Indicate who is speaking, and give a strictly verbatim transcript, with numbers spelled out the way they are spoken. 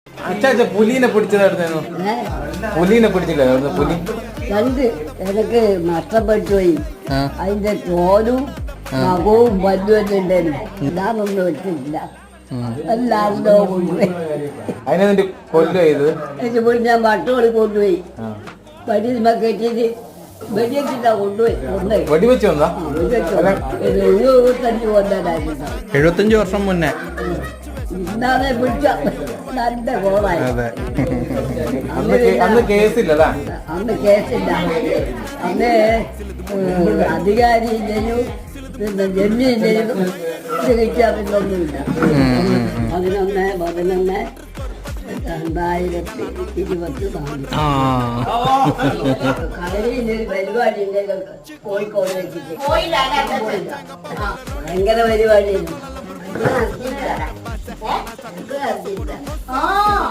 Speaker 1: അച്ഛാ അച്ഛാ പുലിനെ പിടിച്ചതായിരുന്നു. പുലിനെ പിടിച്ചില്ലായിരുന്നു. പുലി
Speaker 2: രണ്ട് എനിക്ക് നഷ്ടപ്പെട്ടു പോയി. അതിന്റെ തോലും നഖവും വല്ലുവെല്ലാം ഉണ്ടായിരുന്നു. ഞാനൊന്നും വെച്ചിട്ടില്ല. എല്ലാവരുടെ കൊണ്ടുപോയി.
Speaker 1: അതിനെ കൊല്ലു ചെയ്ത്
Speaker 2: എന്റെ വീട്ടിൽ ഞാൻ വട്ടോളി കൊണ്ടുപോയി. വടിയുമ കെട്ടിട്ട് വെടിവെച്ചിട്ടാ കൊണ്ടുപോയി. കൊണ്ടുപോയി
Speaker 1: വെടിവെച്ച് വന്നാ
Speaker 2: എഴുപത്തഞ്ച് കൊണ്ടായിരുന്നു.
Speaker 3: എഴുപത്തഞ്ച് വർഷം മുന്നേ
Speaker 2: ഇന്നാണ് പിടിച്ച നല്ല കോളായി.
Speaker 1: അന്ന് കേസില്ലല്ലേ?
Speaker 2: അന്ന് കേസില്ല. അന്ന് അധികാരിയില്ലെങ്കിലും പിന്നെ ജമ്മിയില്ലെങ്കിലും ചികിത്സാപിന്നൊന്നുമില്ല. പതിനൊന്ന് പതിനൊന്ന് രണ്ടായിരത്തി ഇരുപത്തി നാല് കളരിയിലൊരു പരിപാടി കോഴിക്കോട് വെച്ചിട്ട് ഭയങ്കര പരിപാടിയായിരുന്നു.